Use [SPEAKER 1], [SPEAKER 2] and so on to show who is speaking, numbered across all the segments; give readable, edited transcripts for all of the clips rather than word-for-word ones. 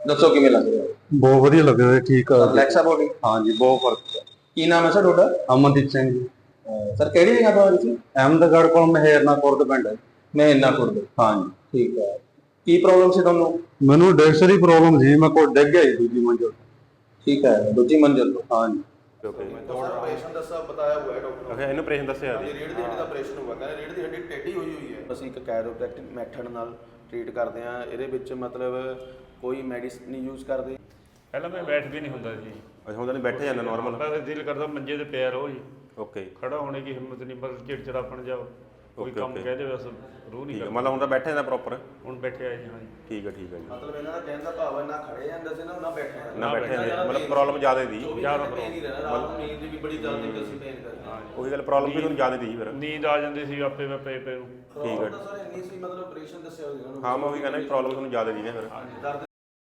[SPEAKER 1] ਦੱਸੋ ਕਿਵੇਂ ਲੱਗ ਰਿਹਾ?
[SPEAKER 2] ਬਹੁਤ ਵਧੀਆ ਲੱਗ ਰਿਹਾ, ਠੀਕ ਆ।
[SPEAKER 1] ਰਿਲੈਕਸ ਆ ਬੋਡੀ?
[SPEAKER 2] ਹਾਂਜੀ, ਬਹੁਤ ਫਰਕ ਹੈ।
[SPEAKER 1] ਕੀ ਨਾਮ ਹੈ ਸਰ ਤੁਹਾਡਾ?
[SPEAKER 2] ਅਮਨਦੀਪ ਸਿੰਘ ਜੀ।
[SPEAKER 1] ਸਰ ਕਿਹੜੀ ਜਗ੍ਹਾ ਤੋਂ ਆ ਤੁਸੀਂ?
[SPEAKER 2] ਅਹਿਮਦਗੜ੍ਹ ਕੋਲ ਮਹੇਰਨਾ ਖੁਰਦ ਪਿੰਡ ਹੈ।
[SPEAKER 1] ਮਹਿਨਾ ਖੁਰਦ।
[SPEAKER 2] ਹਾਂਜੀ,
[SPEAKER 1] ਠੀਕ ਹੈ। ਕੀ ਪ੍ਰੋਬਲਮ ਸੀ ਤੁਹਾਨੂੰ?
[SPEAKER 2] ਮੈਨੂੰ ਡਿਸਕ ਦੀ ਪ੍ਰੋਬਲਮ ਸੀ, ਮੈਂ ਕੋਲ ਡਿੱਗ ਗਿਆ ਜੀ ਦੂਜੀ ਮੰਜ਼ਿਲ।
[SPEAKER 1] ਠੀਕ ਹੈ, ਦੂਜੀ ਮੰਜ਼ਿਲ ਤੋਂ।
[SPEAKER 2] ਹਾਂਜੀ।
[SPEAKER 3] ऑपरेशन दसा बताया हुआ है डॉक्टर
[SPEAKER 4] ਅੱਛਾ, ਇਹਨੂੰ ਆਪਰੇਸ਼ਨ ਦੱਸਿਆ ਜੀ।
[SPEAKER 3] रीढ़ की हड्डी का ऑपरेशन हुआ, ਕਹਿੰਦੇ ਰੀढ़ ਦੀ ਹੱਡੀ ਟੇਢੀ ਹੋਈ ਹੋਈ ਹੈ। ਅਸੀਂ ਇੱਕ ਕੈਰੋਪ੍ਰੈਕਟਿਕ ਮੈਥਡ ਨਾਲ ਟ੍ਰੀਟ ਕਰਦੇ ਹਾਂ। ਇਹਦੇ ਵਿੱਚ ਮਤਲਬ ਕੋਈ ਮੈਡੀਸਿਨ ਨਹੀਂ ਯੂਜ਼ ਕਰਦੇ।
[SPEAKER 5] ਪਹਿਲਾਂ ਮੈਂ ਬੈਠ ਵੀ ਨਹੀਂ ਹੁੰਦਾ ਜੀ।
[SPEAKER 4] ਅੱਛਾ, ਹੁਣ ਤਾਂ ਬੈਠੇ ਜਾਂਦਾ ਨਾਰਮਲ।
[SPEAKER 5] ਬਸ ਦਿਲ ਕਰਦਾ ਮੰਜੇ ਤੇ ਪਿਆ ਰਹੋ ਜੀ।
[SPEAKER 4] ਓਕੇ,
[SPEAKER 5] ਖੜਾ ਹੋਣੇ ਦੀ ਹਿੰਮਤ ਨਹੀਂ, ਬਸ ਚਿੜਚਿੜਾਪਣ ਜਾ ਕੋਈ ਕੰਮ ਕਹਿ ਦੇ ਬਸ ਰੂਹ ਨਹੀਂ ਕਰਦਾ।
[SPEAKER 4] ਮਤਲਬ ਹੁਣ ਤਾਂ ਬੈਠੇ ਜਾਂਦਾ ਪ੍ਰੋਪਰ।
[SPEAKER 5] ਹੁਣ ਬੈਠਿਆ ਜੀ। ਹਾਂਜੀ,
[SPEAKER 4] ਠੀਕ ਹੈ, ਠੀਕ ਹੈ ਜੀ।
[SPEAKER 3] ਮਤਲਬ ਇਹਨਾਂ ਦਾ ਕਹਿਣ ਦਾ ਭਾਵ ਹੈ ਨਾ ਖੜੇ ਜਾਂਦੇ ਸੀ ਨਾ ਬੈਠੇ ਜਾਂਦੇ।
[SPEAKER 4] ਨਾ ਬੈਠੇ ਜਾਂਦੇ, ਮਤਲਬ ਪ੍ਰੋਬਲਮ ਜ਼ਿਆਦਾ ਦੀ।
[SPEAKER 3] ਜ਼ਿਆਦਾ ਪੇਨ ਹੀ ਰਹਿਣਾ, ਰਾਤ ਨੂੰ ਨੀਂਦ ਵੀ ਬੜੀ ਜਲਦੀ ਕਿ ਅਸੀਂ ਪੇਨ ਕਰਦੇ।
[SPEAKER 4] ਉਹੀ ਗੱਲ, ਪ੍ਰੋਬਲਮ ਵੀ ਤੁਹਾਨੂੰ ਜ਼ਿਆਦਾ ਦੀ ਫਿਰ।
[SPEAKER 5] ਨੀਂਦ ਆ ਜਾਂਦੀ ਸੀ ਆਪੇ ਮੈਂ ਪਏ ਪਏ ਨੂੰ।
[SPEAKER 4] ਠੀਕ ਹੈ
[SPEAKER 3] ਸਰ ਇੰਨੀ ਸੀ, ਮਤਲਬ ਆਪਰੇਸ਼ਨ ਦੱਸਿਆ ਹੋਇਆ ਇਹਨਾਂ ਨੂੰ।
[SPEAKER 4] ਹਾਂ, ਮੈਂ ਉਹੀ ਕਹਿੰਦਾ ਪ੍ਰੋਬਲਮ ਤੁਹਾਨੂੰ ਜ਼ਿਆਦਾ ਦੀ ਨੇ ਫਿਰ।
[SPEAKER 3] ਦਰਦ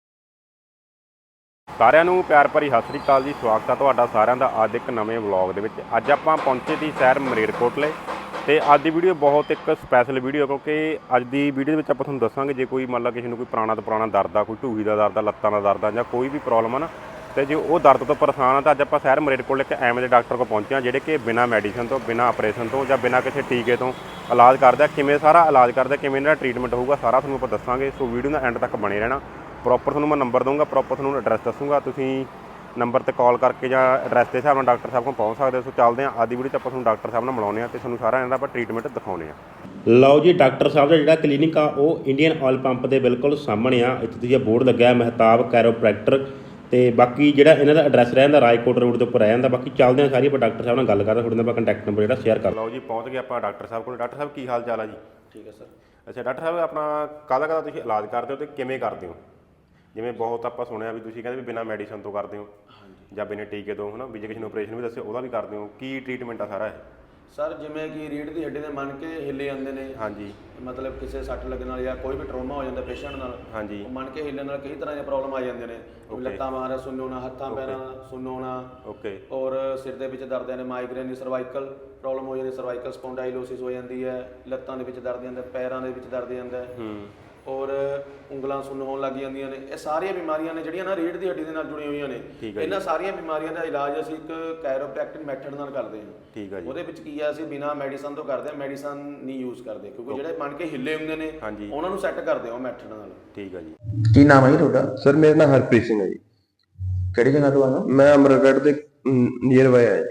[SPEAKER 4] ਸਾਰਿਆਂ ਨੂੰ ਪਿਆਰ ਭਰੀ ਸਤਿ ਸ੍ਰੀ ਅਕਾਲ ਜੀ। ਸਵਾਗਤ ਹੈ ਤੁਹਾਡਾ ਸਾਰਿਆਂ ਦਾ ਅੱਜ ਇੱਕ ਨਵੇਂ ਵਲੌਗ ਦੇ ਵਿੱਚ। ਅੱਜ ਆਪਾਂ ਪਹੁੰਚੇ ਸੀ ਸ਼ਹਿਰ ਮਲੇਰਕੋਟਲੇ ਤੇ ਅੱਜ ਦੀ ਵੀਡੀਓ ਬਹੁਤ ਇੱਕ ਸਪੈਸ਼ਲ ਵੀਡੀਓ, ਕਿਉਂਕਿ ਅੱਜ ਦੀ ਵੀਡੀਓ ਦੇ ਵਿੱਚ ਆਪਾਂ ਤੁਹਾਨੂੰ ਦੱਸਾਂਗੇ ਜੇ ਕੋਈ ਮੰਨ ਲਾ ਕਿਸੇ ਨੂੰ ਕੋਈ ਪੁਰਾਣਾ ਤੋਂ ਪੁਰਾਣਾ ਦਰਦ ਆ, ਕੋਈ ਢੂਹੀ ਦਾ ਦਰਦ ਆ, ਲੱਤਾਂ ਦਾ ਦਰਦ ਆ ਜਾਂ ਕੋਈ ਵੀ ਪ੍ਰੋਬਲਮ ਆ ਨਾ, ਤੇ ਜੇ ਉਹ ਦਰਦ ਤੋਂ ਪਰੇਸ਼ਾਨ ਆ ਤਾਂ ਅੱਜ ਆਪਾਂ ਸ਼ਹਿਰ ਮਲੇਰਕੋਟਲੇ ਇੱਕ ਐਵੇਂ ਦੇ ਡਾਕਟਰ ਕੋਲ ਪਹੁੰਚੇ ਹਾਂ ਜਿਹੜੇ ਕਿ ਬਿਨਾਂ ਮੈਡੀਸਨ ਤੋਂ, ਬਿਨਾਂ ਆਪਰੇਸ਼ਨ ਤੋਂ ਜਾਂ ਬਿਨਾਂ ਕਿਸੇ ਟੀਕੇ ਤੋਂ ਇਲਾਜ ਕਰਦੇ ਆ। ਕਿਵੇਂ ਸਾਰਾ ਇਲਾਜ ਕਰਦੇ ਆ, ਕਿਵੇਂ ਇਹਨਾਂ ਦਾ ਟ੍ਰੀਟਮੈਂਟ ਹੋਊਗਾ, ਸਾਰਾ ਤੁਹਾਨੂੰ ਆਪਾਂ ਦੱਸਾਂਗੇ। ਸੋ ਵੀਡੀਓ ਦਾ ਐਂਡ ਤੱਕ ਬਣੇ ਰਹਿਣਾ। ਪ੍ਰੋਪਰ ਤੁਹਾਨੂੰ ਮੈਂ ਨੰਬਰ ਦਊਂਗਾ, ਪ੍ਰੋਪਰ ਤੁਹਾਨੂੰ ਐਡਰੈਸ ਦੱਸੂਗਾ, ਤੁਸੀਂ ਨੰਬਰ ਤੇ ਕਾਲ ਕਰਕੇ ਜਾਂ ਐਡਰੈਸ ਦੇ ਹਿਸਾਬ ਨਾਲ ਡਾਕਟਰ ਸਾਹਿਬ ਕੋਲ ਪਹੁੰਚ ਸਕਦੇ ਹੋ। ਸੋ ਚੱਲਦੇ ਹਾਂ ਅੱਜ ਦੀ ਵੀਡੀਓ 'ਚ ਆਪਾਂ ਤੁਹਾਨੂੰ ਡਾਕਟਰ ਸਾਹਿਬ ਨਾਲ ਮਿਲਾਉਂਦੇ ਹਾਂ ਤੇ ਤੁਹਾਨੂੰ ਸਾਰਾ ਇਹਨਾਂ ਦਾ ਆਪਾਂ ਟ੍ਰੀਟਮੈਂਟ ਦਿਖਾਉਂਦੇ ਹਾਂ।
[SPEAKER 6] ਲਓ ਜੀ, ਡਾਕਟਰ ਸਾਹਿਬ ਦਾ ਜਿਹੜਾ ਕਲੀਨਿਕ ਆ ਉਹ ਇੰਡੀਅਨ ਆਇਲ ਪੰਪ ਦੇ ਬਿਲਕੁਲ ਸਾਹਮਣੇ ਆ। ਇੱਥੇ ਤੁਸੀਂ ਬੋਰਡ ਲੱਗਿਆ ਮਹਿਤਾਬ ਕੈਰੋਪ੍ਰੈਕਟਰ, ਤੇ ਬਾਕੀ ਜਿਹੜਾ ਇਹਨਾਂ ਦਾ ਐਡਰੈਸ ਰਹਿੰਦਾ ਰਾਜਕੋਟ ਰੋਡ ਦੇ ਉੱਪਰ ਰਹਿ ਜਾਂਦਾ। ਬਾਕੀ ਚੱਲਦੇ ਹਾਂ ਸਾਰੀ ਆਪਾਂ ਡਾਕਟਰ ਸਾਹਿਬ ਨਾਲ ਗੱਲ ਕਰਦੇ, ਤੁਹਾਡੇ ਨਾਲ ਆਪਾਂ ਕੰਟੈਕਟ ਨੰਬਰ ਜਿਹੜਾ ਸ਼ੇਅਰ ਕਰ
[SPEAKER 4] ਲਓ ਜੀ, ਪਹੁੰਚ ਗਏ ਆਪਾਂ ਡਾਕਟਰ ਸਾਹਿਬ ਕੋਲ। ਡਾਕਟਰ ਸਾਹਿਬ ਕੀ ਹਾਲ ਚਾਲ ਆ ਜੀ?
[SPEAKER 3] ਠੀਕ ਹੈ ਸਰ।
[SPEAKER 4] ਅੱਛਾ ਡਾਕਟਰ ਸਾਹਿਬ, ਆਪਣਾ ਕਾਹਦਾ ਤੁਸੀਂ ਇਲਾਜ ਕਰਦੇ ਹੋ ਤੇ ਕਿਵੇਂ ਕਰਦੇ ਹੋ? ਜਿਵੇਂ ਬਹੁਤ ਆਪਾਂ ਸੁਣਿਆ ਵੀ ਤੁਸੀਂ ਕਹਿੰਦੇ ਵੀ ਬਿਨਾਂ ਮੈਡੀਸਨ ਤੋਂ ਕਰਦੇ ਹੋ ਜਾਂ ਬਿਨਾਂ ਟੀਕੇ ਤੋਂ, ਹੈ ਨਾ, ਵੀ ਜੇ ਕਿਸੇ ਨੂੰ ਆਪਰੇਸ਼ਨ ਵੀ ਦੱਸੇ ਉਹਦਾ ਵੀ ਕਰਦੇ ਹੋ। ਕੀ ਟ੍ਰੀਟਮੈਂਟ ਆ ਸਾਰਾ ਇਹ?
[SPEAKER 3] ਸਰ ਜਿਵੇਂ ਕਿ ਰੀੜ੍ਹ ਦੀ ਹੱਡੀ ਦੇ ਮੰਨ ਕੇ ਹਿੱਲੇ ਜਾਂਦੇ ਨੇ।
[SPEAKER 4] ਹਾਂਜੀ,
[SPEAKER 3] ਮਤਲਬ ਕਿਸੇ ਸੱਟ ਲੱਗਣ ਨਾਲ ਜਾਂ ਕੋਈ ਵੀ ਟਰੋਮਾ ਹੋ ਜਾਂਦਾ ਪੇਸ਼ੈਂਟ ਨਾਲ।
[SPEAKER 4] ਹਾਂਜੀ,
[SPEAKER 3] ਉਹ ਮੰਨ ਕੇ ਹਿੱਲਣ ਨਾਲ ਕਈ ਤਰ੍ਹਾਂ ਦੀਆਂ ਪ੍ਰੋਬਲਮ ਆ ਜਾਂਦੀਆਂ ਨੇ। ਲੱਤਾਂ ਬਾਹਾਂ ਦਾ ਸੁੰਨ ਹੋਣਾ, ਹੱਥਾਂ ਪੈਰਾਂ ਦਾ ਸੁੰਨ ਹੋਣਾ,
[SPEAKER 4] ਓਕੇ,
[SPEAKER 3] ਔਰ ਸਿਰ ਦੇ ਵਿੱਚ ਦਰਦ ਨੇ, ਮਾਈਗ੍ਰੇਨ ਦੀ, ਸਰਵਾਈਕਲ ਪ੍ਰੋਬਲਮ ਹੋ ਜਾਂਦੀ, ਸਰਵਾਈਕਲ ਸਪੌਂਡਾਈਲੋਸਿਸ ਹੋ ਜਾਂਦੀ ਹੈ, ਲੱਤਾਂ ਦੇ ਵਿੱਚ ਦਰਦ ਜਾਂਦਾ, ਪੈਰਾਂ ਦੇ ਵਿੱਚ ਦਰਦ ਜਾਂਦਾ, ਔਰ ਉਂਗਲਾਂ ਸੁੰਨ ਹੋਣ ਲੱਗ ਜਾਂਦੀਆਂ ਨੇ। ਇਹ ਸਾਰੀਆਂ ਬਿਮਾਰੀਆਂ ਨੇ ਜਿਹੜੀਆਂ ਨਾ ਰੀੜ੍ਹ ਦੀ ਹੱਡੀ ਦੇ ਨਾਲ ਜੁੜੀਆਂ ਹੋਈਆਂ ਨੇ। ਇਹਨਾਂ ਸਾਰੀਆਂ ਬਿਮਾਰੀਆਂ ਦਾ ਇਲਾਜ ਅਸੀਂ ਇੱਕ ਕੈਰੋਪ੍ਰੈਕਟਿਕ ਮੈਥਡ ਨਾਲ ਕਰਦੇ ਹਾਂ।
[SPEAKER 4] ਠੀਕ ਹੈ ਜੀ।
[SPEAKER 3] ਉਹਦੇ ਵਿੱਚ ਕੀ ਆ, ਅਸੀਂ ਬਿਨਾਂ ਮੈਡੀਸਨ ਤੋਂ ਕਰਦੇ ਹਾਂ, ਮੈਡੀਸਨ ਨਹੀਂ ਯੂਜ਼ ਕਰਦੇ, ਕਿਉਂਕਿ ਜਿਹੜੇ ਮੰਨ ਕੇ ਹਿੱਲੇ ਹੁੰਦੇ ਨੇ ਉਹਨਾਂ ਨੂੰ ਸੈੱਟ ਕਰਦੇ ਹਾਂ ਉਹ ਮੈਥਡ ਨਾਲ।
[SPEAKER 4] ਠੀਕ ਹੈ ਜੀ।
[SPEAKER 1] ਕੀ ਨਾਮ ਹੈ ਜੀ ਤੁਹਾਡਾ?
[SPEAKER 2] ਸਰ ਮੇਰਾ ਨਾਮ ਹਰਪ੍ਰੀਤ ਸਿੰਘ ਹੈ ਜੀ।
[SPEAKER 1] ਕਿਹੜੀ ਜਗ੍ਹਾ ਤੋਂ ਆਏ ਹੋ?
[SPEAKER 2] ਮੈਂ ਅਮਰਗੜ੍ਹ ਦੇ ਨੀਅਰ ਬਾਏ ਆਇਆ ਜੀ।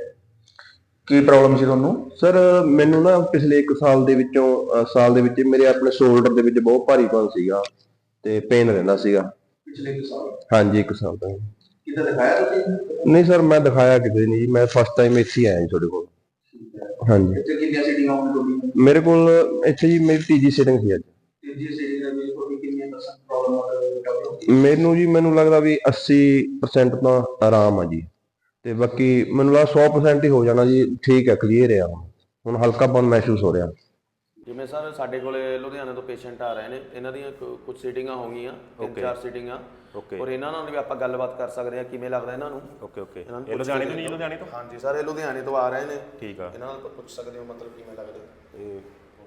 [SPEAKER 1] ਕੀ ਪ੍ਰੋਬਲਮ ਸੀ ਤੁਹਾਨੂੰ?
[SPEAKER 2] ਸਰ ਮੈਨੂੰ ਨਾ ਪਿਛਲੇ 1 ਸਾਲ ਦੇ ਵਿੱਚ ਮੇਰੇ ਆਪਣੇ ਸ਼ੋਲਡਰ ਦੇ ਵਿੱਚ ਬਹੁਤ ਭਾਰੀਪਨ ਸੀਗਾ ਤੇ ਪੇਨ ਰਹਿੰਦਾ ਸੀਗਾ।
[SPEAKER 1] ਪਿਛਲੇ 1 ਸਾਲ?
[SPEAKER 2] ਹਾਂਜੀ, 1 ਸਾਲ ਤੋਂ।
[SPEAKER 1] ਕਿੱਥੇ ਦਿਖਾਇਆ ਤੁਸੀਂ?
[SPEAKER 2] ਨਹੀਂ ਸਰ, ਮੈਂ ਦਿਖਾਇਆ ਕਿਤੇ ਨਹੀਂ ਜੀ, ਮੈਂ ਫਸਟ ਟਾਈਮ ਇੱਥੇ ਹੀ ਆਇਆ ਜੀ ਤੁਹਾਡੇ ਕੋਲ। ਹਾਂਜੀ।
[SPEAKER 1] ਇੱਥੇ ਕਿੰਨੀਆਂ ਸੀਟਿੰਗਾਂ ਹੋਣ ਤੁਹਾਡੀਆਂ?
[SPEAKER 2] ਮੇਰੇ ਕੋਲ ਇੱਥੇ ਜੀ ਮੇਰੀ ਤੀਜੀ ਸੀਟਿੰਗ ਸੀ ਅੱਜ।
[SPEAKER 1] ਤੀਜੀ ਸੀਟਿੰਗ ਦੇ ਵਿੱਚ ਤੁਹਾਡੀ ਕਿੰਨੀਆਂ % ਪ੍ਰੋਬਲਮ?
[SPEAKER 2] ਮੈਨੂੰ ਲੱਗਦਾ ਵੀ 80% ਤਾਂ ਆਰਾਮ ਆ ਜੀ, ਤੇ ਬਾਕੀ ਮੈਨੂੰ ਲੱਗਦਾ 100% ਹੀ ਹੋ ਜਾਣਾ ਜੀ। ਠੀਕ ਹੈ, ਕਲੀਅਰ ਆ ਹੁਣ ਹਲਕਾਪਨ ਮਹਿਸੂਸ ਹੋ ਰਿਹਾ।
[SPEAKER 3] ਜਿਵੇਂ ਸਰ ਸਾਡੇ ਕੋਲੇ ਲੁਧਿਆਣੇ ਤੋਂ ਪੇਸ਼ੈਂਟ ਆ ਰਹੇ ਨੇ, ਇਹਨਾਂ ਦੀਆਂ ਕੁਝ ਸੀਟਿੰਗਾਂ ਹੋ ਗਈਆਂ, 3-4 ਸੀਟਿੰਗਾਂ, ਔਰ ਇਹਨਾਂ ਨਾਲ ਵੀ ਆਪਾਂ ਗੱਲਬਾਤ ਕਰ ਸਕਦੇ ਹਾਂ ਕਿਵੇਂ ਲੱਗਦਾ ਇਹਨਾਂ ਨੂੰ।
[SPEAKER 4] ਓਕੇ ਓਕੇ, ਇਹ ਲੁਧਿਆਣੇ ਤੋਂ ਨਹੀਂ? ਲੁਧਿਆਣੇ ਤੋਂ?
[SPEAKER 3] ਹਾਂਜੀ ਸਰ, ਇਹ ਲੁਧਿਆਣੇ ਤੋਂ ਆ ਰਹੇ ਨੇ।
[SPEAKER 4] ਠੀਕ ਆ,
[SPEAKER 3] ਇਹਨਾਂ ਨਾਲ ਪੁੱਛ ਸਕਦੇ ਹੋ ਮਤਲਬ ਕਿਵੇਂ ਲੱਗਦਾ।
[SPEAKER 4] ਇਹ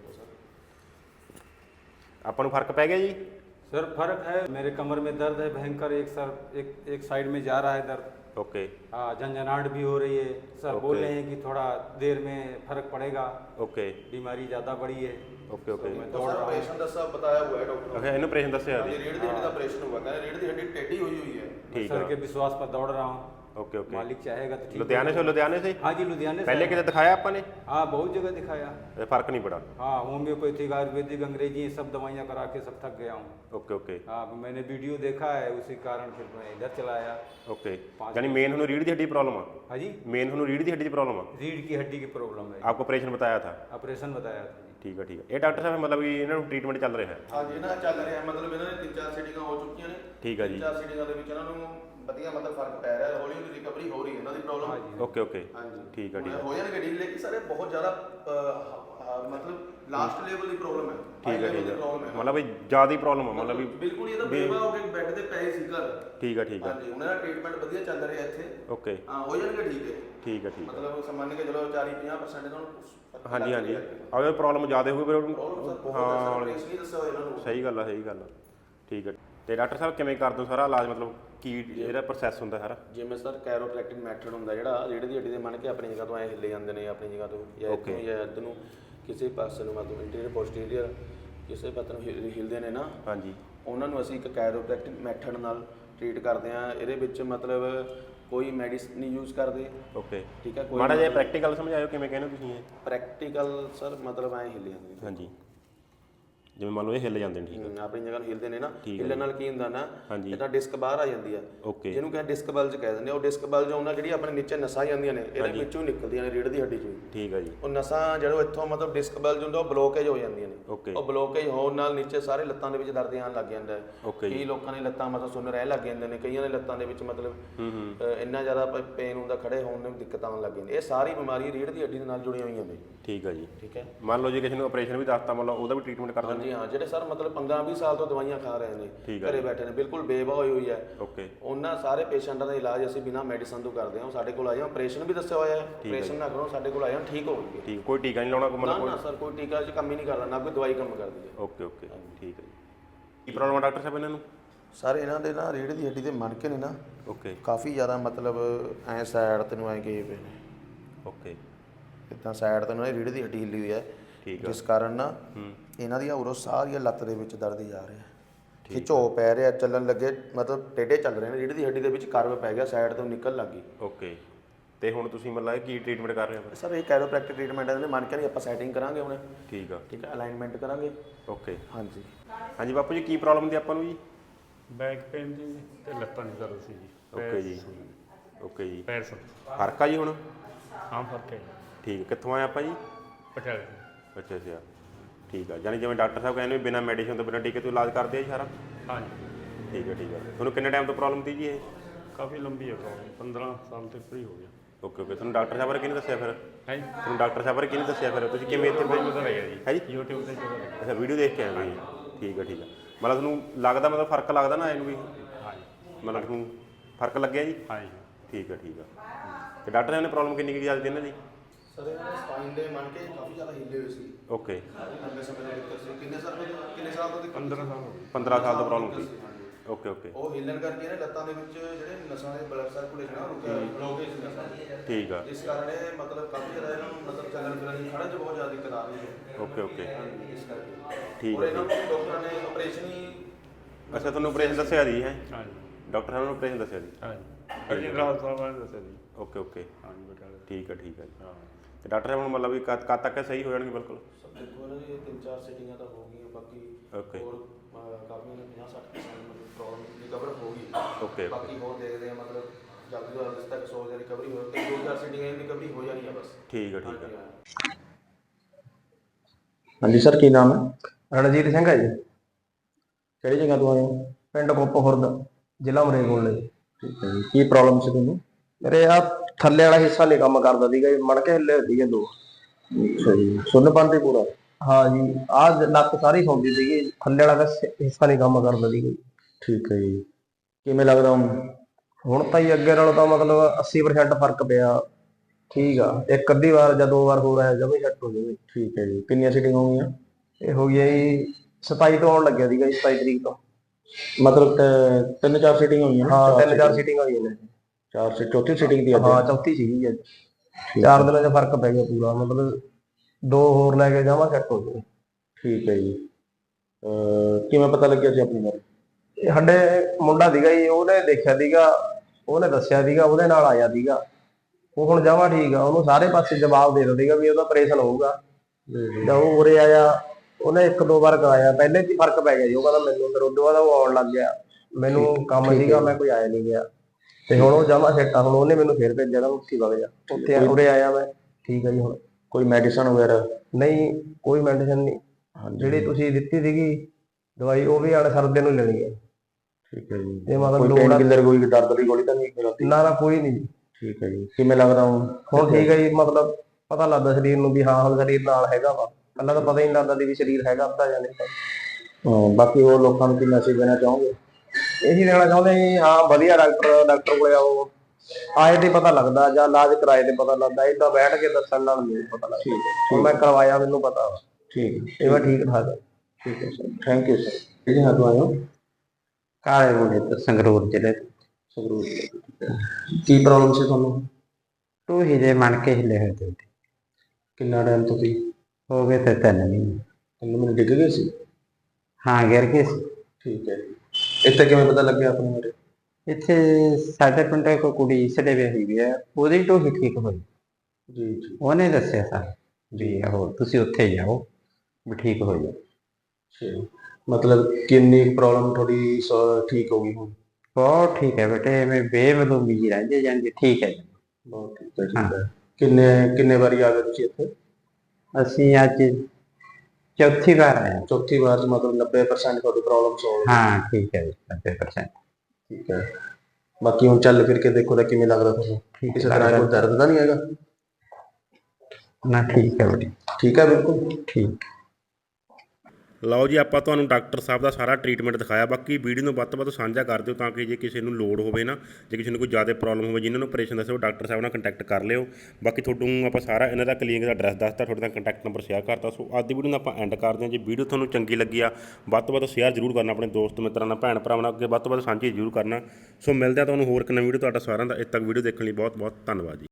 [SPEAKER 4] ਆਪਾਂ ਨੂੰ ਫਰਕ ਪੈ ਗਿਆ ਜੀ?
[SPEAKER 7] सर फर्क है, मेरे कमर में दर्द है भयंकर, एक साइड में जा रहा है दर्द।
[SPEAKER 4] ओके।
[SPEAKER 7] हाँ, झंझनाहट भी हो रही है सर। बोल रहे हैं कि थोड़ा देर में फर्क पड़ेगा।
[SPEAKER 4] ओके,
[SPEAKER 7] बीमारी ज़्यादा बढ़ी है।
[SPEAKER 4] Okay okay.
[SPEAKER 7] मैं दौड़ रहा हूँ।
[SPEAKER 3] ऑपरेशन दसा बताया हुआ है डॉक्टर।
[SPEAKER 4] अच्छा, ਇਹਨੂੰ ਆਪਰੇਸ਼ਨ ਦੱਸਿਆ?
[SPEAKER 3] रीढ़ दी हड्डी का ऑपरेशन हुआ, कहते रीढ़ दी हड्डी टेढ़ी हुई हुई है।
[SPEAKER 7] मैं सर के विश्वास पर दौड़ रहा हूँ।
[SPEAKER 4] Okay okay.
[SPEAKER 7] मालिक चाहेगा तो ठीक।
[SPEAKER 4] लुधियाने से? लुधियाने से?
[SPEAKER 7] हाँ जी, लुधियाने से।
[SPEAKER 4] पहले कितने दिखाया आपने?
[SPEAKER 7] हाँ, बहुत जगह दिखाया,
[SPEAKER 4] फर्क नहीं पड़ा?
[SPEAKER 7] हाँ, होम्योपैथिक, आयुर्वेदिक, अंग्रेजी सब दवाइयाँ करा के सब थक गया हूँ।
[SPEAKER 4] Okay okay.
[SPEAKER 7] हाँ, मैंने वीडियो देखा है, उसी कारण फिर मैं इधर चला आया।
[SPEAKER 4] ओके, यानी मेन हूँ रीढ़ की हड्डी प्रॉब्लम है?
[SPEAKER 7] हाँ जी,
[SPEAKER 4] मेन हूँ रीढ़ की हड्डी प्रॉब्लम है?
[SPEAKER 7] रीढ़ की हड्डी की प्रॉब्लम है।
[SPEAKER 4] आपको ऑपरेशन बताया था?
[SPEAKER 7] ऑपरेशन बताया था।
[SPEAKER 4] ठीक है ठीक है। ये डॉक्टर साहब मतलब कि इन्होंने ट्रीटमेंट चल रहा है?
[SPEAKER 3] हाँ जी, ना चल रहा है, मतलब इन्होंने 3-4 ਸੀਟਿੰਗਾਂ ਹੋ ਚੁੱਕੀਆਂ ਨੇ।
[SPEAKER 4] ਠੀਕ ਹੈ ਜੀ।
[SPEAKER 3] 3-4 ਸੀਟਿੰਗਾਂ ਦੇ ਵਿੱਚ ਇਹਨਾਂ ਨੂੰ ਵਧੀਆ ਮਤਲਬ ਫਰਕ ਪੈ ਰਿਹਾ, ਹੌਲੀ ਹੌਲੀ ਰਿਕਵਰੀ ਹੋ ਰਹੀ ਹੈ ਇਹਨਾਂ ਦੀ ਪ੍ਰੋਬਲਮ।
[SPEAKER 4] Okay okay.
[SPEAKER 3] ਹਾਂਜੀ
[SPEAKER 4] ठीक है ठीक है।
[SPEAKER 3] ਹੋ ਜਾਣਗੇ ਠੀਕ, ਲੇਕਿਨ ਸਰ ਇਹ ਬਹੁਤ ਜ਼ਿਆਦਾ ਮਤਲਬ ਲਾਸਟ ਲੈਵਲ ਦੀ ਪ੍ਰੋਬਲਮ ਹੈ।
[SPEAKER 4] ठीक है ठीक है, मतलब भी ज़्यादा ही प्रॉब्लम है, मतलब भी
[SPEAKER 3] ਬਿਲਕੁਲ ਇਹ ਤਾਂ ਬੇਵਾ ਹੋ ਕੇ ਬੈੱਡ ਤੇ ਪਏ ਸੀ ਘਰ।
[SPEAKER 4] ठीक है ठीक है।
[SPEAKER 3] ਹਾਂਜੀ, ਉਹਨਾਂ ਦਾ ਟ੍ਰੀਟਮੈਂਟ ਵਧੀਆ ਚੱਲ ਰਿਹਾ ਇੱਥੇ।
[SPEAKER 4] ओके,
[SPEAKER 3] ਹਾਂ, ਹੋ ਜਾਣਗੇ ਠੀਕ ਹੈ।
[SPEAKER 4] ठीक है ठीक है।
[SPEAKER 3] ਮਤਲਬ ਸਮਾਨ ਕੇ ਚਲੋ 40-50% ਇਹਨਾਂ ਨੂੰ
[SPEAKER 4] हाँ जी हाँ जी। अगर प्रॉब्लम ज़्यादा हुई फिर
[SPEAKER 3] ਪ੍ਰੋਬਲਮ ਸਰ ਬਹੁਤ ਹੈ, ਸਰ ਆਪਰੇਸ਼ਨ ਹੀ ਦੱਸਿਆ ਹੋਇਆ ਇਹਨਾਂ ਨੂੰ।
[SPEAKER 4] सही गल है, सही गल है। ठीक है। ਤੇ ਡਾਕਟਰ ਸਾਹਿਬ ਕਿਵੇਂ ਕਰਦੇ ਹੋ ਸਾਰਾ ਇਲਾਜ, ਮਤਲਬ ਕੀ ਇਹਦਾ ਪ੍ਰੋਸੈਸ ਹੁੰਦਾ ਸਾਰਾ?
[SPEAKER 3] ਜਿਵੇਂ ਸਰ ਕੈਰੋਪ੍ਰੈਕਟਿਕ ਮੈਥਡ ਹੁੰਦਾ ਜਿਹੜਾ ਰੀੜ੍ਹ ਦੀ ਹੱਡੀ ਦੇ ਮੰਨ ਕੇ ਆਪਣੀ ਜਗ੍ਹਾ ਤੋਂ ਐ ਹਿੱਲੇ ਜਾਂਦੇ ਨੇ, ਆਪਣੀ ਜਗ੍ਹਾ ਤੋਂ ਜਾਂ ਇੱਧਰ ਨੂੰ ਜਾਂ ਇੱਧਰ ਨੂੰ ਕਿਸੇ ਪਾਸੇ ਨੂੰ, ਮਤਲਬ ਇੰਟੀਰੀਅਰ ਪੋਸਟੀਰੀਅਰ ਕਿਸੇ ਪਾਸੇ ਨੂੰ ਹਿੱਲਦੇ ਨੇ ਨਾ,
[SPEAKER 4] ਹਾਂਜੀ,
[SPEAKER 3] ਉਹਨਾਂ ਨੂੰ ਅਸੀਂ ਇੱਕ ਕੈਰੋਪ੍ਰੈਕਟਿਕ ਮੈਥਡ ਨਾਲ ਟ੍ਰੀਟ ਕਰਦੇ ਹਾਂ। ਇਹਦੇ ਵਿੱਚ ਮਤਲਬ ਕੋਈ ਮੈਡੀਸਨ ਨਹੀਂ ਯੂਜ਼ ਕਰਦੇ।
[SPEAKER 4] ਓਕੇ,
[SPEAKER 3] ਠੀਕ ਹੈ। ਕੋਈ
[SPEAKER 4] ਮਾੜਾ ਜਿਹਾ ਪ੍ਰੈਕਟੀਕਲ ਸਮਝਾਇਓ ਕਿਵੇਂ ਕਹਿੰਦੇ ਹੋ ਤੁਸੀਂ ਇਹ?
[SPEAKER 3] ਪ੍ਰੈਕਟੀਕਲ ਸਰ ਮਤਲਬ ਐ ਹਿੱਲੇ ਜਾਂਦੇ ਨੇ।
[SPEAKER 4] ਹਾਂਜੀ, ਜਿਵੇਂ ਮੰਨ ਲਓ ਇਹ ਹਿੱਲ ਜਾਂਦੇ ਨੇ, ਠੀਕ ਹੈ,
[SPEAKER 3] ਆਪਣੀ ਜਗ੍ਹਾ ਨੂੰ ਹਿੱਲਦੇ ਨੇ ਨਾ,
[SPEAKER 4] ਠੀਕ ਹੈ
[SPEAKER 3] ਹਿੱਲਣ ਨਾਲ ਕੀ ਹੁੰਦਾ ਨਾ,
[SPEAKER 4] ਹਾਂਜੀ,
[SPEAKER 3] ਇਹਦਾ ਡਿਸਕ ਬਾਹਰ ਆ ਜਾਂਦੀ ਆ,
[SPEAKER 4] ਓਕੇ,
[SPEAKER 3] ਜਿਹਨੂੰ ਕਹਿੰਦੇ ਡਿਸਕ ਬਲਜ ਕਹਿ ਦਿੰਦੇ ਆ। ਉਹ ਡਿਸਕ ਬਲਜ ਉਹਨਾਂ ਜਿਹੜੀ ਆਪਣੇ ਨੀਚੇ ਨਸਾਂ ਜਾਂਦੀਆਂ ਨੇ, ਇਹਦੇ ਵਿੱਚੋਂ ਨਿਕਲਦੀਆਂ ਨੇ ਰੀੜ੍ਹ ਦੀ ਹੱਡੀ ਚੋਂ।
[SPEAKER 4] ਠੀਕ ਹੈ ਜੀ।
[SPEAKER 3] ਉਹ ਨਸਾਂ ਜਦੋਂ ਇੱਥੋਂ ਮਤਲਬ ਡਿਸਕ ਬਲਜ ਹੁੰਦਾ ਉਹ ਬਲੋਕੇਜ ਹੋ ਜਾਂਦੀਆਂ ਨੇ।
[SPEAKER 4] ਓਕੇ,
[SPEAKER 3] ਉਹ ਬਲੋਕੇਜ ਹੋਣ ਨਾਲ ਨੀਚੇ ਸਾਰੇ ਲੱਤਾਂ ਦੇ ਵਿੱਚ ਦਰਦ ਆਉਣ ਲੱਗ ਜਾਂਦਾ ਹੈ।
[SPEAKER 4] ਓਕੇ,
[SPEAKER 3] ਕਈ ਲੋਕਾਂ ਦੀ ਲੱਤਾਂ ਮਤਲਬ ਸੁੰਨ ਰਹਿ ਲੱਗ ਜਾਂਦੇ ਨੇ, ਕਈਆਂ ਦੇ ਲੱਤਾਂ ਦੇ ਵਿੱਚ ਮਤਲਬ ਇੰਨਾ ਜ਼ਿਆਦਾ ਪੇਨ ਹੁੰਦਾ, ਖੜੇ ਹੋਣ ਨੂੰ ਦਿੱਕਤ ਆਉਣ ਲੱਗ ਜਾਂਦੀ। ਇਹ ਸਾਰੀ ਬਿਮਾਰੀ ਰੀੜ੍ਹ ਦੀ ਹੱਡੀ ਦੇ ਨਾਲ ਜੁੜੀਆਂ ਹੋਈਆਂ ਨੇ।
[SPEAKER 4] ਠੀਕ ਹੈ ਜੀ।
[SPEAKER 3] ਠੀਕ ਹੈ।
[SPEAKER 4] ਮੰਨ ਲਓ ਜੀ ਕਿਸੇ ਨੂੰ ਆਪਰੇਸ਼ਨ ਵੀ ਦੱਸਤਾ, ਮੰਨ ਲਓ ਉਹਦਾ ਵੀ ਟ੍ਰੀਟਮੈਂਟ ਕਰ ਦਿੰਦੇ?
[SPEAKER 3] ਹਾਂਜੀ ਹਾਂ, ਜਿਹੜੇ ਸਰ ਮਤਲਬ 15-20 ਸਾਲ ਤੋਂ ਦਵਾਈਆਂ ਖਾ ਰਹੇ ਨੇ, ਘਰੇ ਬੈਠੇ ਨੇ, ਬਿਲਕੁਲ ਬੇਵਾ ਹੋਈ ਹੈ,
[SPEAKER 4] ਓਕੇ,
[SPEAKER 3] ਉਹਨਾਂ ਸਾਰੇ ਪੇਸ਼ੈਂਟਾਂ ਦਾ ਇਲਾਜ ਅਸੀਂ ਬਿਨਾਂ ਮੈਡੀਸਨ ਤੋਂ ਕਰਦੇ ਹਾਂ। ਸਾਡੇ ਕੋਲ ਆਏ, ਆਪਰੇਸ਼ਨ ਵੀ ਦੱਸਿਆ ਹੋਇਆ ਹੈ, ਆਪਰੇਸ਼ਨ ਨਾ ਕਰੋ, ਸਾਡੇ ਕੋਲ ਆਏ ਠੀਕ ਹੋਣਗੇ।
[SPEAKER 4] ਠੀਕ, ਕੋਈ ਟੀਕਾ ਨਹੀਂ ਲਾਉਣਾ, ਕੋਈ
[SPEAKER 3] ਨਾ ਨਾ ਸਰ, ਕੋਈ ਟੀਕਾ 'ਚ ਕੰਮ ਹੀ ਨਹੀਂ ਕਰਦਾ, ਨਾ ਕੋਈ ਦਵਾਈ ਕੰਮ ਕਰਦੀ ਹੈ।
[SPEAKER 4] ਓਕੇ ਓਕੇ, ਠੀਕ ਹੈ ਜੀ। ਕੀ ਪ੍ਰੋਬਲਮ ਹੈ ਡਾਕਟਰ ਸਾਹਿਬ ਇਹਨਾਂ ਨੂੰ?
[SPEAKER 3] ਸਰ ਇਹਨਾਂ ਦੇ ਨਾ ਰੀੜ੍ਹ ਦੀ ਹੱਡੀ ਦੇ ਮਣਕੇ ਨੇ ਨਾ,
[SPEAKER 4] ਓਕੇ,
[SPEAKER 3] ਕਾਫੀ ਜ਼ਿਆਦਾ ਮਤਲਬ ਐਂ ਸਾਈਡ ਤੇ ਨੂੰ ਐਂ ਗਏ ਪਏ ਨੇ,
[SPEAKER 4] ਓਕੇ,
[SPEAKER 3] ਇੱਦਾਂ ਸਾਈਡ ਤੇ ਨੂੰ ਇਹ ਰੀੜ੍ਹ ਦੀ ਹੱਡੀ ਹਿੱਲੀ ਹੋਈ ਹੈ,
[SPEAKER 4] ਠੀਕ ਹੈ,
[SPEAKER 3] ਜਿਸ ਕਾਰਨ ਨਾ ਇਹਨਾਂ ਦੀਆਂ ਉਰੋਂ ਸਾਰੀਆਂ ਲੱਤ ਦੇ ਵਿੱਚ ਦਰਦ ਜਾ ਰਿਹਾ, ਖਿਚੋ ਪੈ ਰਿਹਾ, ਚੱਲਣ ਲੱਗੇ ਮਤਲਬ ਟੇਢੇ ਚੱਲ ਰਹੇ ਨੇ, ਰੀੜ੍ਹ ਦੀ ਹੱਡੀ ਦੇ ਵਿੱਚ ਕਰਵ ਪੈ ਗਿਆ, ਸਾਈਡ ਤੋਂ ਨਿਕਲ ਲੱਗ ਗਈ।
[SPEAKER 4] ਓਕੇ, ਤੇ ਹੁਣ ਤੁਸੀਂ ਮਤਲਬ ਕੀ ਟ੍ਰੀਟਮੈਂਟ ਕਰ ਰਹੇ ਹੋ?
[SPEAKER 3] ਸਰ ਇਹ ਕੈਰੋਪ੍ਰੈਕਟਿਕ ਟ੍ਰੀਟਮੈਂਟ ਇਹਦੇ ਮਣਕੇ ਦੀ ਆਪਾਂ ਸੈਟਿੰਗ ਕਰਾਂਗੇ ਹੁਣ।
[SPEAKER 4] ਠੀਕ ਆ,
[SPEAKER 3] ਠੀਕ ਹੈ, ਅਲਾਈਨਮੈਂਟ ਕਰਾਂਗੇ।
[SPEAKER 4] ਓਕੇ,
[SPEAKER 3] ਹਾਂਜੀ
[SPEAKER 4] ਹਾਂਜੀ ਬਾਪੂ ਜੀ, ਕੀ ਪ੍ਰੋਬਲਮ ਦੀ ਆਪਾਂ ਨੂੰ ਜੀ?
[SPEAKER 5] ਬੈਕ ਪੇਨ ਦੀ ਤੇ ਲੱਤਾਂ ਦੀ ਦਰਦ ਸੀ ਜੀ।
[SPEAKER 4] ਓਕੇ ਜੀ, ਓਕੇ ਜੀ,
[SPEAKER 5] ਪੈਰ ਸਭ
[SPEAKER 4] ਫਰਕ ਆ ਜੀ ਹੁਣ?
[SPEAKER 5] ਹਾਂ ਫਰਕ ਹੈ ਜੀ।
[SPEAKER 4] ਠੀਕ, ਕਿੱਥੋਂ ਆਏ ਆਪਾਂ ਜੀ?
[SPEAKER 5] ਪਟਿਆਲੇ
[SPEAKER 4] ਅੱਛਾ ਅੱਛਾ, ਠੀਕ ਆ। ਯਾਨੀ ਜਿਵੇਂ ਡਾਕਟਰ ਸਾਹਿਬ ਕਹਿੰਦੇ ਬਿਨਾਂ ਮੈਡੀਸਨ ਤੋਂ, ਬਿਨਾਂ ਟੀਕੇ ਤੋਂ ਇਲਾਜ ਕਰਦੇ ਆ ਜੀ ਸਾਰਾ?
[SPEAKER 5] ਹਾਂਜੀ,
[SPEAKER 4] ਠੀਕ ਹੈ, ਠੀਕ ਹੈ। ਤੁਹਾਨੂੰ ਕਿੰਨੇ ਟਾਈਮ ਤੋਂ ਪ੍ਰੋਬਲਮ ਸੀ ਜੀ ਇਹ?
[SPEAKER 5] ਕਾਫੀ ਲੰਬੀ ਹੈ ਪ੍ਰੋਬਲਮ, 15 ਸਾਲ ਤੇ ਫ੍ਰੀ ਹੋ ਗਿਆ।
[SPEAKER 4] ਓਕੇ ਓਕੇ, ਤੁਹਾਨੂੰ ਡਾਕਟਰ ਸਾਹਿਬ ਬਾਰੇ ਕਿਹਨੇ ਦੱਸਿਆ ਫਿਰ?
[SPEAKER 5] ਹੈ ਜੀ,
[SPEAKER 4] ਤੁਹਾਨੂੰ ਡਾਕਟਰ ਸਾਹਿਬ ਬਾਰੇ ਕਿਹਨੇ ਦੱਸਿਆ ਫਿਰ? ਤੁਸੀਂ ਕਿਵੇਂ ਇੱਥੇ
[SPEAKER 5] ਪਤਾ ਲੱਗਿਆ ਜੀ,
[SPEAKER 4] ਹੈ ਜੀ?
[SPEAKER 5] YouTube ਤੇ ਪਤਾ ਲੱਗਿਆ।
[SPEAKER 4] ਅੱਛਾ, ਵੀਡੀਓ ਦੇਖ ਕੇ ਆਏ ਜੀ? ਠੀਕ ਹੈ, ਠੀਕ ਹੈ। ਮਤਲਬ ਤੁਹਾਨੂੰ ਲੱਗਦਾ, ਮਤਲਬ ਫਰਕ ਲੱਗਦਾ ਨਾ ਇਹਨੂੰ ਵੀ?
[SPEAKER 5] ਹਾਂਜੀ,
[SPEAKER 4] ਮਤਲਬ ਤੁਹਾਨੂੰ ਫਰਕ ਲੱਗਿਆ ਜੀ?
[SPEAKER 5] ਹਾਂਜੀ,
[SPEAKER 4] ਠੀਕ ਹੈ, ਠੀਕ ਹੈ। ਤੇ ਡਾਕਟਰ ਸਾਹਿਬ ਨੇ ਪ੍ਰੋਬਲਮ ਕਿੰਨੀ ਕੁ ਜ਼ਿਆਦਾ ਦੀ ਇਹਨਾਂ ਦੀ?
[SPEAKER 3] ਸਰ ਇਹਨਾਂ ਦੇ ਸਪਾਈਨ ਦੇ ਮਣਕੇ ਕਾਫੀ ਜ਼ਿਆਦਾ ਹਿੱਲੇ ਹੋਏ ਸੀ।
[SPEAKER 4] ਓਕੇ,
[SPEAKER 3] ਲੰਬੇ ਸਮੇਂ ਤੋਂ ਦਿੱਕਤ ਸੀ। ਕਿੰਨੇ ਸਾਲ ਤੋਂ
[SPEAKER 5] 15 ਸਾਲ ਹੋ ਗਏ।
[SPEAKER 4] 15 ਸਾਲ ਤੋਂ ਪ੍ਰੋਬਲਮ ਸੀ? ਓਕੇ ਓਕੇ,
[SPEAKER 3] ਉਹ ਹਿੱਲਣ ਕਰਕੇ ਨਾ ਲੱਤਾਂ ਦੇ ਵਿੱਚ ਜਿਹੜੇ ਨਸਾਂ ਦੇ ਬਲੱਡ ਸਰਕੂਲੇਸ਼ਨ ਆ ਰੁਕਿਆ, ਬਲੋਕੇਜ ਸੀ ਨਸਾਂ ਦੀ।
[SPEAKER 4] ਠੀਕ ਆ,
[SPEAKER 3] ਇਸ ਕਾਰਨ ਇਹ ਮਤਲਬ ਕਾਫੀ ਜ਼ਿਆਦਾ ਇਹਨਾਂ ਨੂੰ ਮਤਲਬ ਚੱਲਣ ਫਿਰਨ ਦੀ, ਖੜ੍ਹਨ 'ਚ ਬਹੁਤ ਜ਼ਿਆਦਾ ਦਿੱਕਤ ਆ ਰਹੀ ਹੈ।
[SPEAKER 4] ਓਕੇ ਓਕੇ,
[SPEAKER 3] ਇਸ ਕਰਕੇ
[SPEAKER 4] ਠੀਕ
[SPEAKER 3] ਔਰ
[SPEAKER 4] ਹੈ।
[SPEAKER 3] ਇਹਨਾਂ ਨੂੰ ਡਾਕਟਰਾਂ ਨੇ ਆਪਰੇਸ਼ਨ ਹੀ
[SPEAKER 4] ਅੱਛਾ, ਤੁਹਾਨੂੰ ਆਪਰੇਸ਼ਨ ਦੱਸਿਆ ਜੀ ਹੈ?
[SPEAKER 5] ਹਾਂਜੀ,
[SPEAKER 4] ਡਾਕਟਰ ਸਾਹਿਬ ਨੇ ਆਪਰੇਸ਼ਨ ਦੱਸਿਆ ਜੀ?
[SPEAKER 5] ਹਾਂਜੀ, ਰਜਿੰਦਰਾ ਸਾਹਿਬ ਨੇ ਦੱਸਿਆ ਜੀ।
[SPEAKER 4] ਓਕੇ ਓਕੇ,
[SPEAKER 5] ਹਾਂਜੀ ਬਟਾਲੇ।
[SPEAKER 4] ਠੀਕ ਹੈ, ਠੀਕ ਹੈ ਜੀ।
[SPEAKER 5] ਹਾਂ,
[SPEAKER 4] ਤੇ ਡਾਕਟਰ ਸਾਹਿਬ ਨੂੰ ਮਤਲਬ ਵੀ ਕਦ ਤੱਕ ਸਹੀ ਹੋ ਜਾਣਗੇ ਬਿਲਕੁਲ?
[SPEAKER 3] ਸਭ ਦੇਖੋ ਨਾ ਜੀ, 3-4 ਸੀਟਿੰਗਾਂ ਤਾਂ ਹੋ ਗਈਆਂ, ਬਾਕੀ
[SPEAKER 4] ਓਕੇ,
[SPEAKER 3] ਹੋਰ ਕਾਫੀ 50-60% ਮਤਲਬ ਪ੍ਰੋਬਲਮ ਰਿਕਵਰ ਹੋ ਗਈ।
[SPEAKER 4] ਓਕੇ,
[SPEAKER 3] ਬਾਕੀ ਹੋਰ ਦੇਖਦੇ ਆ, ਮਤਲਬ ਜਲਦੀ ਤੋਂ ਜਲਦੀ ਤੱਕ 100 ਦੀ ਰਿਕਵਰੀ ਹੋ ਤੇ 2-4 ਸੀਟਿੰਗਾਂ ਦੀ ਰਿਕਵਰੀ ਹੋ ਜਾਣੀ ਆ ਬਸ।
[SPEAKER 4] ਠੀਕ ਹੈ, ਠੀਕ ਹੈ।
[SPEAKER 8] ਹਾਂਜੀ ਸਰ, ਕੀ ਨਾਮ ਹੈ?
[SPEAKER 2] ਰਣਜੀਤ ਸਿੰਘ ਹੈ ਜੀ,
[SPEAKER 8] ਕਿਹੜੀ ਜਗ੍ਹਾ ਤੋਂ ਆਏ ਹੋ?
[SPEAKER 2] ਪਿੰਡ ਕੋਪ ਖੁਰਦ, ਜ਼ਿਲ੍ਹਾ ਮਰੇਕੋਟਲੇ।
[SPEAKER 8] ਠੀਕ ਹੈ ਜੀ, ਕੀ ਪ੍ਰੋਬਲਮ ਸੀ ਤੁਹਾਨੂੰ?
[SPEAKER 2] ਮੇਰੇ ਆ ਥੱਲੇ ਵਾਲਾ ਹਿੱਸਾ ਨਹੀਂ ਕੰਮ ਕਰਦਾ ਸੀਗਾ ਜੀ, ਮਣਕੇ ਹਿੱਲੇ ਹੋਏ ਸੀਗੇ 2।
[SPEAKER 8] ਅੱਛਾ ਜੀ, ਸੁੰਨਪਨ ਤੇ ਪੂਰਾ?
[SPEAKER 2] ਹਾਂ ਜੀ, ਆਹ ਲੱਤ ਸਾਰੀ ਸੌਂਦੀ ਸੀਗੀ, ਥੱਲੇ ਵਾਲਾ ਹਿੱਸਾ ਨਹੀਂ ਕੰਮ ਕਰਦਾ ਸੀਗਾ ਜੀ।
[SPEAKER 8] ਠੀਕ ਹੈ ਜੀ, ਕਿਵੇਂ ਲੱਗਦਾ
[SPEAKER 2] ਹੁਣ ਤਾਂ ਜੀ ਅੱਗੇ ਨਾਲੋਂ ਤਾਂ ਮਤਲਬ 80% ਫਰਕ ਪਿਆ। ਠੀਕ ਆ, ਇੱਕ ਅੱਧੀ ਵਾਰ ਜਾਂ 2 ਵਾਰ ਹੋਰ ਆਇਆ ਜਮੇ ਸੈੱਟ ਹੋ ਜਾਵੇ।
[SPEAKER 8] ਠੀਕ ਹੈ ਜੀ, ਕਿੰਨੀਆਂ ਸੀਟਿੰਗ ਹੋ ਗਈਆਂ?
[SPEAKER 2] ਇਹ ਹੋ ਗਿਆ ਜੀ 27 ਤੋਂ ਆਉਣ ਲੱਗਿਆ ਸੀਗਾ ਜੀ, 27 ਤਰੀਕ ਤੋਂ।
[SPEAKER 8] ਮਤਲਬ 3-4 ਸੀਟਿੰਗ ਹੋਈਆਂ ਨੇ?
[SPEAKER 2] ਹਾਂ, 3-4 ਸੀਟਿੰਗਾਂ ਹੋਈਆਂ ਨੇ।
[SPEAKER 8] 4 ਸੀ, ਚੌਥੀ ਸੀਟਿੰਗ ਦੀ ਅੱਜ?
[SPEAKER 2] ਹਾਂ, ਚੌਥੀ ਸੀਗੀ ਅੱਜ। 4 ਦਿਨਾਂ 'ਚ ਫਰਕ ਪੈ ਗਿਆ ਪੂਰਾ, ਮਤਲਬ 2 ਹੋਰ ਲੈ ਕੇ ਜਾਵਾਂ ਸੈੱਟ ਹੋ ਜਾਵੇ।
[SPEAKER 8] ਠੀਕ ਹੈ ਜੀ, ਕਿਵੇਂ ਪਤਾ ਲੱਗਿਆ ਸੀ ਆਪਣੀ ਬਾਰੇ?
[SPEAKER 2] ਇਹ ਸਾਡੇ ਮੁੰਡਾ ਸੀਗਾ ਜੀ, ਉਹਨੇ ਦੇਖਿਆ ਸੀਗਾ, ਉਹਨੇ ਦੱਸਿਆ ਸੀਗਾ, ਉਹਦੇ ਨਾਲ ਆਇਆ ਸੀਗਾ। ਉਹ ਹੁਣ ਜਮਾਂ ਠੀਕ ਆ, ਉਹਨੂੰ ਸਾਰੇ ਪਾਸੇ ਜਵਾਬ ਦੇ ਦਿੰਦਾ ਵੀ ਉਹਦਾ ਆਪਰੇਸ਼ਨ ਹੋਊਗਾ। ਜਦ ਉਹ ਉਰੇ ਆਇਆ, ਉਹਨੇ 1-2 ਵਾਰ ਕਰਾਇਆ, ਪਹਿਲੇ 'ਚ ਹੀ ਫਰਕ ਪੈ ਗਿਆ ਜੀ। ਉਹ ਕਹਿੰਦਾ ਮੈਨੂੰ, ਫਿਰ ਉਦੋਂ ਬਾਅਦ ਉਹ ਆਉਣ ਲੱਗ ਗਿਆ। ਮੈਨੂੰ ਕੰਮ ਸੀਗਾ, ਮੈਂ ਕੋਈ ਆਇਆ ਨਹੀਂ ਗਿਆ, ਤੇ ਹੁਣ ਉਹ ਜਮਾਂ ਸੈੱਟ ਆ। ਹੁਣ ਉਹਨੇ ਮੈਨੂੰ ਫੇਰ ਭੇਜਿਆ, ਉੱਥੇ ਵਗ ਜਾ, ਉੱਥੇ ਉਰੇ ਆਇਆ ਮੈਂ। ਠੀਕ ਹੈ ਜੀ। ਹੁਣ
[SPEAKER 8] ਕੋਈ ਮੈਡੀਸਨ ਵਗੈਰਾ?
[SPEAKER 2] ਨਹੀਂ, ਕੋਈ ਮੈਡੀਸਨ ਨਹੀਂ। ਜਿਹੜੀ ਤੁਸੀਂ ਦਿੱਤੀ ਸੀਗੀ ਦਵਾਈ, ਉਹ ਵੀ ਆਲੇ ਸਰਦੇ ਨੂੰ ਲੈਣੀ ਹੈ।
[SPEAKER 8] ਠੀਕ ਹੈ ਜੀ,
[SPEAKER 2] ਤੇ ਮਤਲਬ
[SPEAKER 8] ਕੋਈ ਪੇਨ ਕਿਲਰ, ਕੋਈ ਦਰਦ ਦੀ ਗੋਲੀ ਤਾਂ ਨਹੀਂ ਖਿਲਾਤੀ?
[SPEAKER 2] ਨਾ ਨਾ, ਕੋਈ ਨਹੀਂ।
[SPEAKER 8] ਠੀਕ ਹੈ ਜੀ, ਕਿਵੇਂ ਲੱਗਦਾ
[SPEAKER 2] ਹੁਣ ਠੀਕ ਹੈ ਜੀ, ਮਤਲਬ ਪਤਾ ਲੱਗਦਾ ਸਰੀਰ ਨੂੰ ਵੀ ਹਾਂ ਹੁਣ ਸਰੀਰ ਨਾਲ ਹੈਗਾ ਵਾ। ਪਹਿਲਾਂ ਤਾਂ ਪਤਾ ਹੀ ਨਹੀਂ ਲੱਗਦਾ ਸੀ ਵੀ ਸਰੀਰ ਹੈਗਾ ਅੱਧਾ ਜਾਂ ਨਹੀਂ।
[SPEAKER 8] ਬਾਕੀ ਹੋਰ ਲੋਕਾਂ ਨੂੰ ਕੀ ਮੈਸੇਜ ਦੇਣਾ ਚਾਹੋਗੇ?
[SPEAKER 2] ਇਹੀ ਦੇਣਾ ਚਾਹੁੰਦੇ ਜੀ, ਹਾਂ ਵਧੀਆ ਡਾਕਟਰ ਕੋਲੇ ਆਓ, ਆਏ ਤੇ ਪਤਾ ਲੱਗਦਾ, ਜਾਂ ਇਲਾਜ ਕਰਾਏ ਤੇ ਪਤਾ ਲੱਗਦਾ, ਏਦਾਂ ਬੈਠ ਕੇ ਦੱਸਣ ਨਾਲ ਨਹੀਂ ਪਤਾ ਲੱਗਦਾ। ਹੁਣ ਮੈਂ ਕਰਵਾਇਆ, ਮੈਨੂੰ ਪਤਾ ਵਾ।
[SPEAKER 8] ਠੀਕ ਹੈ,
[SPEAKER 2] ਇਹ ਮੈਂ ਠੀਕ ਠਾਕ।
[SPEAKER 8] ਠੀਕ ਹੈ ਸਰ, ਥੈਂਕ ਯੂ ਸਰ। ਕਿਹੜੀ ਜਗ੍ਹਾ ਤੋਂ ਆਏ ਹੋ?
[SPEAKER 9] ਕਾਲੇ ਮੁੰਡੇ ਤੋਂ ਸੰਗਰੂਰ ਜ਼ਿਲ੍ਹੇ ਤੋਂ।
[SPEAKER 8] ਸੰਗਰੂਰ ਤੋਂ, ਠੀਕ ਹੈ। ਕੀ ਪ੍ਰੋਬਲਮ ਸੀ ਤੁਹਾਨੂੰ?
[SPEAKER 9] ਟੂ ਹੀਰੇ ਮਣ ਕੇ ਹਿੱਲੇ ਹੋਏ ਤੇ
[SPEAKER 8] ਕਿੰਨਾ ਟਾਈਮ ਤੋਂ ਸੀ?
[SPEAKER 9] ਹੋ ਗਏ ਤੇ 3 ਮਹੀਨੇ।
[SPEAKER 8] 3 ਮਹੀਨੇ ਡਿੱਗ ਗਏ ਸੀ?
[SPEAKER 9] ਹਾਂ ਗਿਰ ਗਏ ਸੀ।
[SPEAKER 8] ਠੀਕ ਹੈ। ਇੱਥੇ ਕਿਵੇਂ ਪਤਾ ਲੱਗਿਆ ਆਪਣੇ ਬਾਰੇ?
[SPEAKER 9] ਇੱਥੇ ਸਾਡੇ ਪਿੰਡ ਕੋਈ ਕੁੜੀ ਇਸਦੇ ਵਿਆਹੀ ਵੀ ਹੈ, ਉਹਦੀ ਢੋਹੀ ਠੀਕ ਹੋਈ।
[SPEAKER 8] ਜੀ ਜੀ।
[SPEAKER 9] ਉਹਨੇ ਦੱਸਿਆ ਸਾਨੂੰ ਵੀ ਆਹੋ ਤੁਸੀਂ ਉੱਥੇ ਜਾਓ ਵੀ ਠੀਕ ਹੋ ਜਾਓ।
[SPEAKER 8] ਅੱਛਾ, ਮਤਲਬ ਕਿੰਨੀ ਪ੍ਰੋਬਲਮ ਤੁਹਾਡੀ ਠੀਕ ਹੋ ਗਈ ਹੁਣ?
[SPEAKER 9] ਬਹੁਤ ਠੀਕ ਹੈ ਬੇਟੇ, ਐਵੇਂ ਬੇਮਲੂਮੀ ਜੀ ਰਹਿੰਦੇ ਜਾਂਦੇ ਠੀਕ ਹੈ।
[SPEAKER 8] ਬਹੁਤ ਠੀਕ ਹੈ, ਠੀਕ ਹੈ। ਕਿੰਨੇ ਕਿੰਨੇ ਵਾਰੀ ਆ ਗਏ ਤੁਸੀਂ ਇੱਥੇ?
[SPEAKER 9] ਅਸੀਂ ਅੱਜ ਚੌਥੀ ਵਾਰ ਆਏ ਹਾਂ।
[SPEAKER 8] ਚੌਥੀ ਵਾਰ 'ਚ ਮਤਲਬ 90% ਤੁਹਾਡੀ ਪ੍ਰੋਬਲਮ ਸੋਲਵ?
[SPEAKER 9] ਹਾਂ ਠੀਕ ਹੈ ਜੀ, 90%।
[SPEAKER 8] ਠੀਕ ਹੈ। ਬਾਕੀ ਹੁਣ ਚੱਲ ਫਿਰ ਕੇ ਦੇਖੋ ਤਾਂ ਕਿਵੇਂ ਲੱਗਦਾ ਤੁਹਾਨੂੰ? ਕਿਸੇ ਤਰ੍ਹਾਂ ਕੋਈ ਦਰਦ ਤਾਂ ਨਹੀਂ ਹੈਗਾ?
[SPEAKER 9] ਨਾ ਠੀਕ ਹੈ ਬੇਟੇ,
[SPEAKER 8] ਠੀਕ ਹੈ, ਬਿਲਕੁਲ
[SPEAKER 9] ਠੀਕ।
[SPEAKER 6] ਲਓ ਜੀ, ਆਪਾਂ ਤੁਹਾਨੂੰ ਡਾਕਟਰ ਸਾਹਿਬ ਦਾ ਸਾਰਾ ਟ੍ਰੀਟਮੈਂਟ ਦਿਖਾਇਆ। ਬਾਕੀ ਵੀਡੀਓ ਨੂੰ ਵੱਧ ਤੋਂ ਵੱਧ ਸਾਂਝਾ ਕਰ ਦਿਓ ਤਾਂ ਕਿ ਜੇ ਕਿਸੇ ਨੂੰ ਲੋੜ ਹੋਵੇ ਨਾ, ਜੇ ਕਿਸੇ ਨੂੰ ਕੋਈ ਜ਼ਿਆਦਾ ਪ੍ਰੋਬਲਮ ਹੋਵੇ, ਜਿਨ੍ਹਾਂ ਨੂੰ ਆਪਰੇਸ਼ਨ ਦੱਸਿਆ ਉਹ ਡਾਕਟਰ ਸਾਹਿਬ ਨਾਲ ਕੰਟੈਕਟ ਕਰ ਲਿਓ। ਬਾਕੀ ਤੁਹਾਨੂੰ ਆਪਾਂ ਸਾਰਾ ਇਹਨਾਂ ਦਾ ਕਲੀਨਿਕ ਦਾ ਐਡਰੈਸ ਦੱਸਤਾ, ਤੁਹਾਡੇ ਨਾਲ ਕੰਟੈਕਟ ਨੰਬਰ ਸ਼ੇਅਰ ਕਰਤਾ। ਸੋ ਅੱਜ ਦੀ ਵੀਡੀਓ ਨੂੰ ਆਪਾਂ ਐਂਡ ਕਰਦੇ ਹਾਂ। ਜੇ ਵੀਡੀਓ ਤੁਹਾਨੂੰ ਚੰਗੀ ਲੱਗੀ ਆ, ਵੱਧ ਤੋਂ ਵੱਧ ਸ਼ੇਅਰ ਜ਼ਰੂਰ ਕਰਨਾ ਆਪਣੇ ਦੋਸਤ ਮਿੱਤਰਾਂ ਨਾਲ, ਭੈਣ ਭਰਾਵਾਂ ਨਾਲ, ਅੱਗੇ ਵੱਧ ਤੋਂ ਵੱਧ ਸਾਂਝੀ ਜ਼ਰੂਰ ਕਰਨਾ। ਸੋ ਮਿਲਦੇ ਆ ਤੁਹਾਨੂੰ ਹੋਰ ਇੱਕ ਨਵੀਂ ਵੀਡੀਓ। ਤੁਹਾਡਾ ਸਾਰਿਆਂ ਦਾ ਇੱਥੇ ਤੱਕ ਵੀਡੀਓ ਦੇਖਣ ਲਈ ਬਹੁਤ ਬਹੁਤ ਧੰਨਵਾਦ ਜੀ।